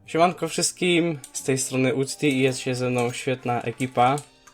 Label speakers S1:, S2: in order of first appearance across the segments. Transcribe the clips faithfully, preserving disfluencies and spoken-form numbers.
S1: Siemanko wszystkim, z tej strony Ucti i jest się ze mną świetna ekipa.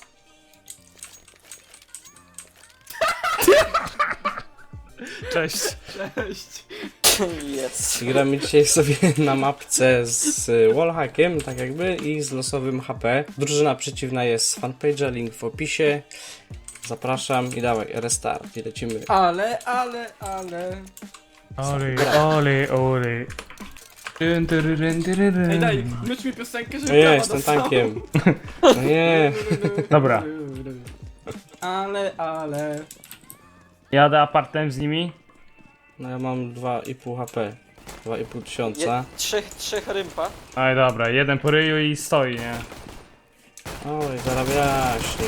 S2: Cześć.
S3: Cześć.
S4: Jest.
S1: I gramy dzisiaj sobie na mapce z wallhackiem, tak jakby, i z losowym H P. Drużyna przeciwna jest z fanpage'a, link w opisie. Zapraszam i dawaj, restart i lecimy.
S3: Ale, ale, ale.
S2: Oli, oli, oli. Dyn, dyry, dyn, dyry, dyn.
S3: Ej, daj, myć mi piosenkę, żeby
S1: No nie,
S3: prawa
S1: jestem
S3: dostał.
S1: tankiem. No nie.
S2: Dobra.
S3: Ale, ale.
S2: Jadę apartem z nimi.
S1: No ja mam dwa i pół H P. dwa i pół
S4: Je,
S1: tysiąca.
S4: trzech, trzech rympa.
S2: Aj dobra, jeden po ryju i stoi, nie?
S1: Oj, zarabiaśnie.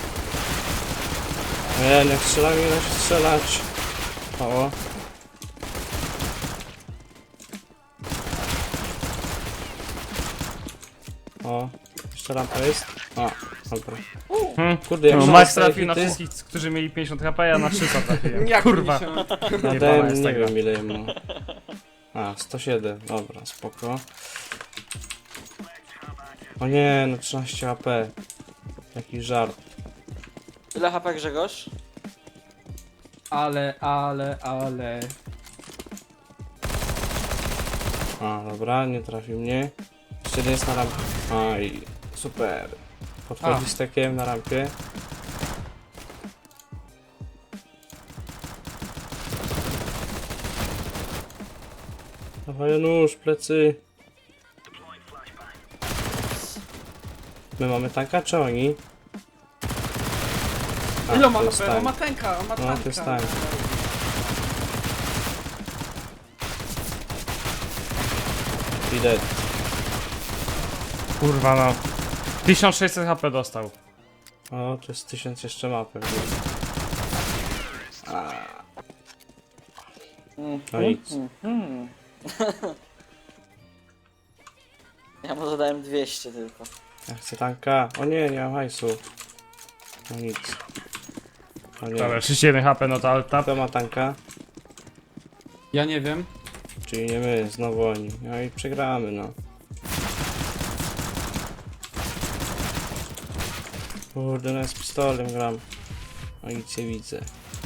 S1: Nie, nie strzelaj, nie da się strzelać. O. O, jeszcze rampa jest. O, dobra.
S2: Hmm.
S1: Kurde, jak
S2: No,
S1: się
S2: Max
S1: dostaje
S2: trafił na
S1: hity?
S2: wszystkich, którzy mieli pięćdziesiąt H P, ja na trzysta trafiłem.
S3: Jak
S2: Kurwa.
S3: pięćdziesiąt?
S2: Jebana
S1: Dałem,
S2: jest ta
S1: nie
S2: gra.
S1: wiem ile mu. A, sto siedem, dobra, spoko. O nie, no trzynaście H P. Jaki żart.
S4: Ile H P Grzegorz?
S3: Ale, ale, ale.
S1: A, dobra, nie trafił mnie. Jeszcze jeden jest na rampie. Aj, super. Podchodzi
S3: A.
S1: z tekiem na rampie. Dawaj nóż, plecy. My mamy tanka, czy oni? A,
S3: Ile ma
S1: to jest
S3: H P? On ma
S1: tank.
S3: tanka, on ma
S1: No,
S3: tanka.
S1: to jest tank. Idę.
S2: Kurwa no. tysiąc sześćset H P dostał.
S1: O, to jest tysiąc jeszcze ma pewnie. A, no nic.
S4: Hmm. Ja mu zadałem dwieście tylko.
S1: Ja chcę tanka. O nie, nie mam hajsu. No nic. O nie.
S2: Dobra, trzydzieści jeden H P, no to alt tab.
S1: Kto ma tanka?
S3: Ja nie wiem.
S1: Czyli nie my, znowu oni. No i przegramy, no. Kurde, no ja z pistolem gram. No nic nie widzę.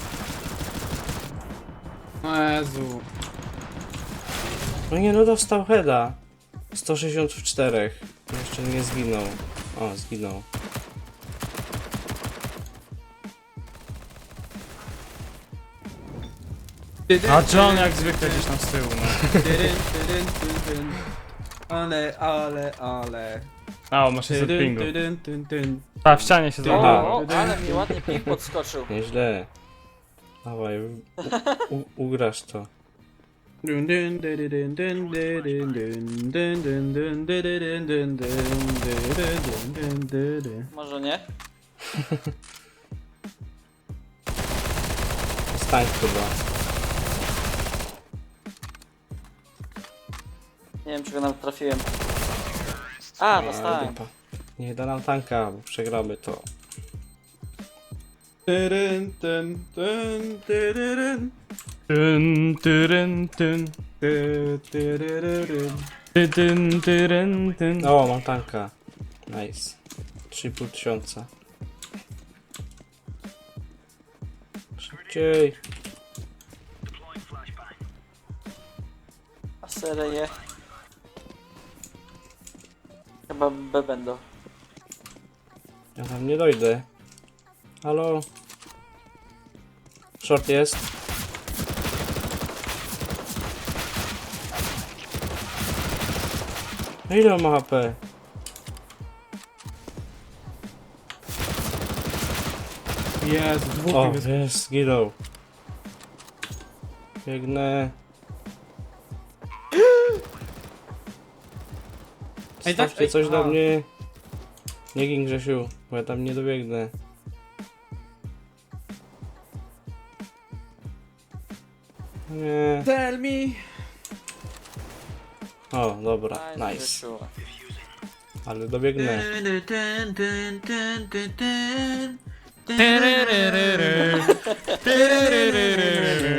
S3: O Jezu.
S1: No nie, no dostał heada. sto sześćdziesiąt cztery. Jeszcze nie zginął. O, zginął.
S2: A John jak zwykle gdzieś tam z tyłu, no.
S3: Tydyn, tydyn, tydyn. Ale, ale, ale.
S2: A, o, masz sześćset
S3: Tydyn,
S2: pingu.
S3: tydyn, tydyn, tydyn.
S2: A, w ścianie się
S3: Aha.
S2: zabrał.
S4: O, ale mi ładnie ping podskoczył.
S1: Nieźle. Dawaj, u, u, ugrasz to.
S3: Dun, dun, dydyn, dun, dydyn, dun, dun, dun, dun, dydyn, dun, dun, dydyn, dun, dydyn.
S4: Może nie?
S1: Jest tank chyba.
S4: Nie wiem, czego nam trafiłem. A,
S1: A,
S4: dostałem.
S1: dupa. Nie da nam tanka, bo przegramy to.
S3: Tydyn, tyn, tyn, tydyn,
S2: Tyn, tyryn, tyn.
S3: ty, tydyn.
S2: Ty, tyn, tyryn, tyn.
S1: O, mam tanka. Nice. trzy i pół tysiąca. Szybciej.
S4: A serie. Chyba B będą.
S1: Ja tam nie dojdę. Halo? Short jest. No ile on ma H P?
S3: Jezu, dwóch
S1: O,
S3: jest.
S1: jest, zginął. Biegnę.
S3: Ej, tak,
S1: Stawcie
S3: ej,
S1: coś do
S3: a.
S1: mnie. Nie gin Grzesiu, bo ja tam nie dobiegnę. Nie.
S3: Tell me.
S1: O, dobra, nice.
S4: Grzesiu.
S1: Ale dobiegnę.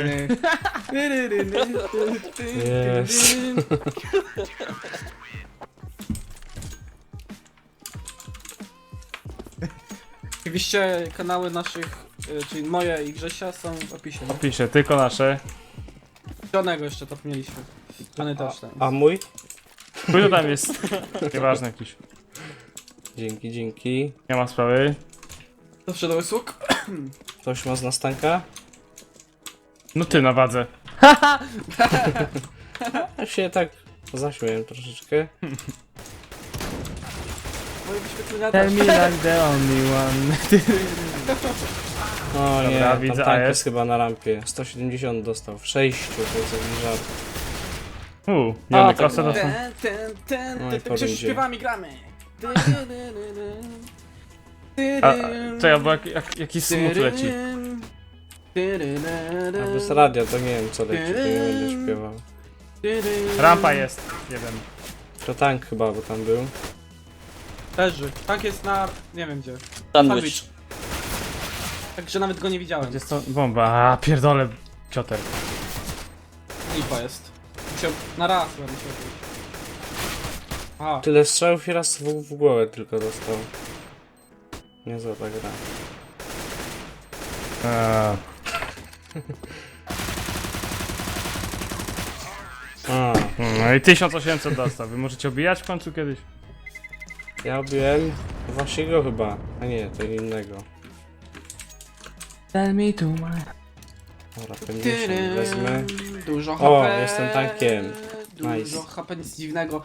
S1: Jest.
S3: Oczywiście kanały naszych, y, czyli moje i Grzesia są w opisie. nie?
S2: Opiszę, tylko nasze.
S3: Żadnego jeszcze top mieliśmy.Any też ten.
S1: A mój?
S2: Kto tam jest? Nieważne jakiś.
S1: Dzięki, dzięki.
S2: Nie ma sprawy.
S3: Zawsze do usług.
S1: Ktoś ma z nastanka?
S2: No ty na wadze.
S1: Ja się tak zaśmiałem troszeczkę.
S3: Moje wyświetlenia
S2: Tell
S3: też.
S2: me like the only one.
S1: O nie,
S2: Dobra,
S1: tam
S2: widzę,
S1: tank
S2: a
S1: jest
S2: jest?
S1: chyba na rampie. sto siedemdziesiąt dostał w sześciu, to jest jakiś żart.
S2: Uuu,
S4: A,
S2: wiemy,
S4: tak,
S2: kosę
S4: no.
S2: to są.
S3: Ten, ten, ten,
S1: No i
S3: ten,
S1: po
S3: ten,
S1: rundzie.
S3: śpiewami gramy.
S2: A, to ja, bo jak, jak, jakiś smut leci.
S1: A bez radia to nie wiem co leci, to nie będę śpiewał.
S2: Rampa jest. Jeden.
S1: To tank chyba, bo tam był.
S3: Leży. Tank jest na... nie wiem gdzie.
S4: Sandwich.
S3: Także nawet go nie widziałem.
S2: Gdzie jest to? Bomba. A, pierdolę. Cioter.
S3: Lipa jest. Musiał na raz chyba musiał być. Aha.
S1: Tyle strzałów i raz w, w głowę tylko dostał. Niezła ta gra.
S2: Eee,
S1: A,
S2: No i tysiąc osiemset dostał. Wy możecie obijać w końcu kiedyś?
S1: ja obiłem Wasiego chyba, a nie, to innego.
S2: Tell me to my...
S1: Dobra, pięćdziesiąt wezmę.
S3: Dużo
S1: O,
S3: H P.
S1: jestem tankiem.
S3: Dużo
S1: Nice.
S3: H P, nic dziwnego.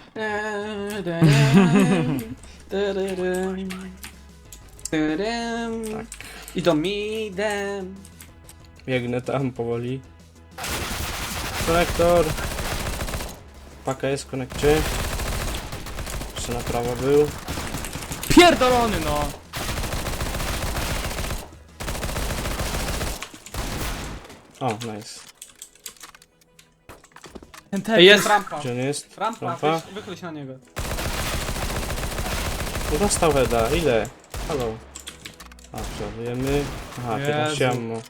S1: Tak.
S3: Idą midem.
S1: Biegnę tam powoli. Konektor! Paka jest w konekcie. Jeszcze na prawo był.
S2: Pierdolony no!
S3: Tak,
S1: O, nice.
S2: Ten ten
S3: Ej, jest rampa.
S1: Gdzie on jest?
S3: Rampa,
S1: Rampa?
S3: Wychyl, wychyl się na niego.
S1: No dostał Weda, ile? Halo. A, przeładujemy. Aha, piętnaście
S3: Jezu.
S1: ammo.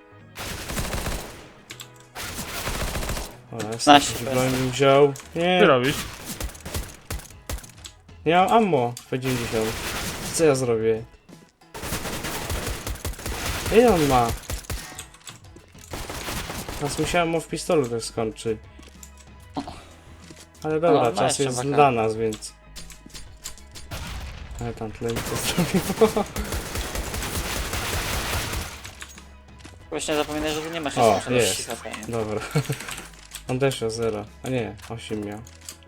S1: Dobra, jest
S4: Naście
S1: jakiś
S4: bez.
S1: broń mi wziął.
S2: Ty
S1: Nie,
S2: robisz?
S1: nie mam ammo. P dziewięćdziesiąt. Co ja zrobię? Ile on ma? Teraz musiałem mu w pistolu też skończy. Ale dobra,
S4: No, no
S1: czas
S4: jeszcze
S1: jest
S4: waka.
S1: dla nas, więc... Ale tam tyle mi to zrobiło.
S4: Właśnie zapominaj, że tu nie ma
S1: O,
S4: szesnaście
S1: jest.
S4: H P. nie?
S1: Dobra. On też miał zero. A nie, osiem miał.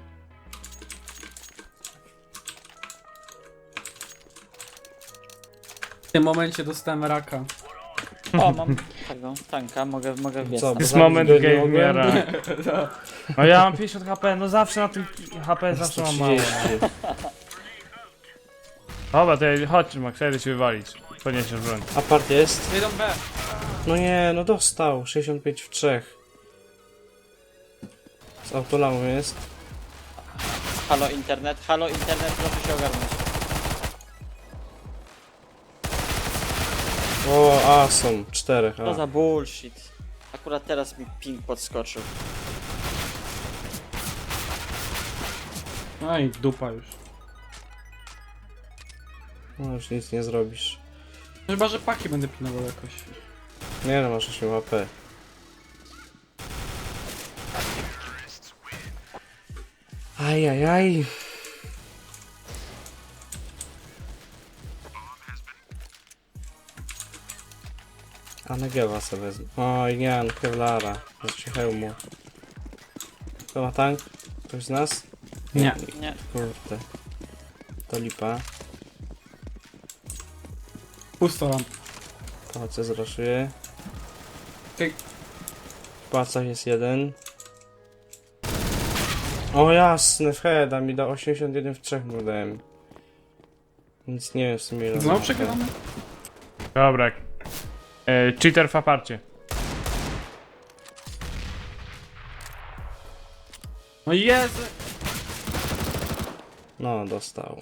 S3: W tym momencie dostałem raka.
S4: O, mam tego tanka, mogę, mogę wbiec.
S1: Co,
S4: tam.
S1: bo
S2: This
S1: zabić
S2: moment
S1: go nie
S2: gave me a
S1: mogłem?
S2: run. No ja mam pięćdziesiąt H P, no zawsze na tym H P zawsze mam mało.
S1: trzydzieści.
S2: Dobra, to ja, chodź Max, ja idę ci wywalić. Podniesiesz broń.
S1: Apart jest?
S3: Idą B.
S1: No nie, no dostał. sześćdziesiąt pięć w trzech. Z autolamą jest.
S4: Halo internet, halo internet, proszę się ogarnąć.
S1: O, a są. Czterech.
S4: To
S1: A.
S4: za bullshit. Akurat teraz mi ping podskoczył.
S3: No i dupa już.
S1: No już nic nie zrobisz.
S3: Chyba, że paki będę pilnował jakoś.
S1: Nie no, masz osiem H P. Ajajaj. A Negewa sobie wezmę. Oj nie, no Kevlara. Znaczy hełmu. Kto ma tank? Ktoś z nas?
S3: Nie.
S4: Nie.
S1: Kurde. To lipa.
S3: Pusto ramp.
S1: Pałace zraszuje.
S3: Okej.
S1: W pałacach jest jeden. O jasne, w heada mi da osiemdziesiąt jeden w trzech mu dałem. Nic nie wiem w sumie ile
S3: Znowu
S1: ma.
S3: przegramy?
S2: Dobra. E, cheater w aparcie.
S3: No Jezu!
S1: No, dostał.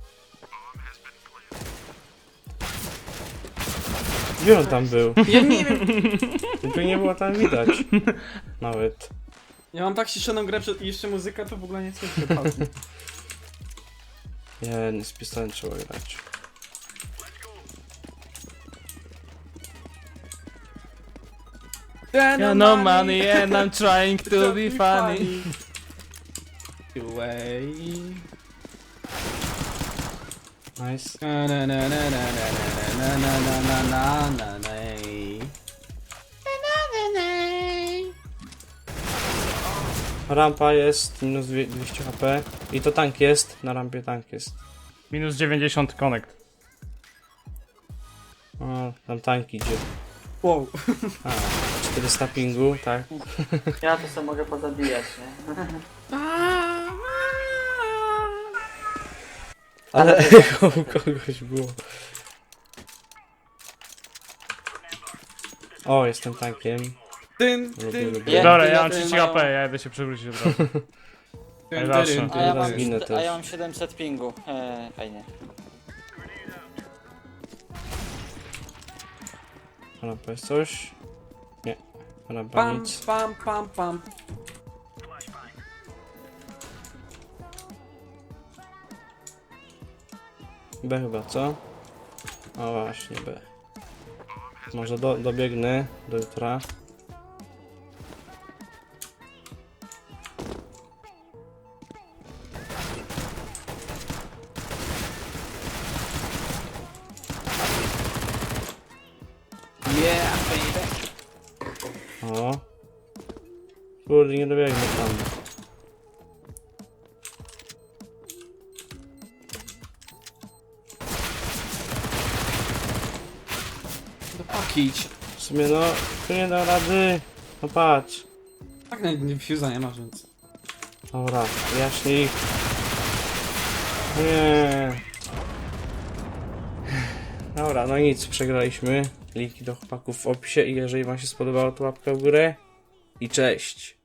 S1: Gdzie on tam był?
S3: Ja nie wiem.
S1: Tylko nie było tam widać. Nawet.
S3: Ja mam tak ściszoną grę przed... i jeszcze muzyka, to w ogóle nie słyszę.
S1: Nie, nie z pistoletem trzeba grać.
S2: Yeah, no money and I'm trying to be funny.
S3: Away.
S1: Nice.
S3: Na na na na na na na na na na na na.
S1: Rampa jest, minus dwie- dwieście H P. I to tank jest, na rampie tank jest.
S2: Minus dziewięćdziesiąt connect.
S1: O, tam tank idzie.
S3: Wow.
S1: A, czterysta pingu, tak.
S4: Ja tu sobie mogę pozabijać, nie?
S1: Ale u kogoś było. O, jestem tankiem.
S3: Dyn,
S1: Lubię,
S3: dyn,
S1: lubię.
S4: Ja-
S2: Dobra,
S4: ja
S2: ja mam
S4: tu
S2: trzydzieści
S4: mają-
S2: H P, ja idę się przewrócić od razu.
S3: dyn,
S2: Ej, zawsze.
S3: dyn,
S4: A ja
S3: dyn,
S4: mam,
S1: zginę
S3: dyn.
S1: też.
S4: a ja mam siedemset pingu. Eee, fajnie.
S1: Rampa jest coś? Nie. Rampa
S3: Pam,
S1: nic.
S3: pam, pam, pam.
S1: B chyba, co? O właśnie, B. Może do, dobiegnę do jutra.
S3: Yeah, baby.
S1: O. Kurde, nie dobiegnę tam.
S3: Do paki idź.
S1: W sumie no, tu nie da rady. No patrz.
S3: Tak, nie, nie fuse'a nie masz, więc.
S1: Dobra, jaśniej. Nie. Dobra, no nic, przegraliśmy. Linki do chłopaków w opisie i jeżeli wam się spodobało, to łapka w górę. I cześć.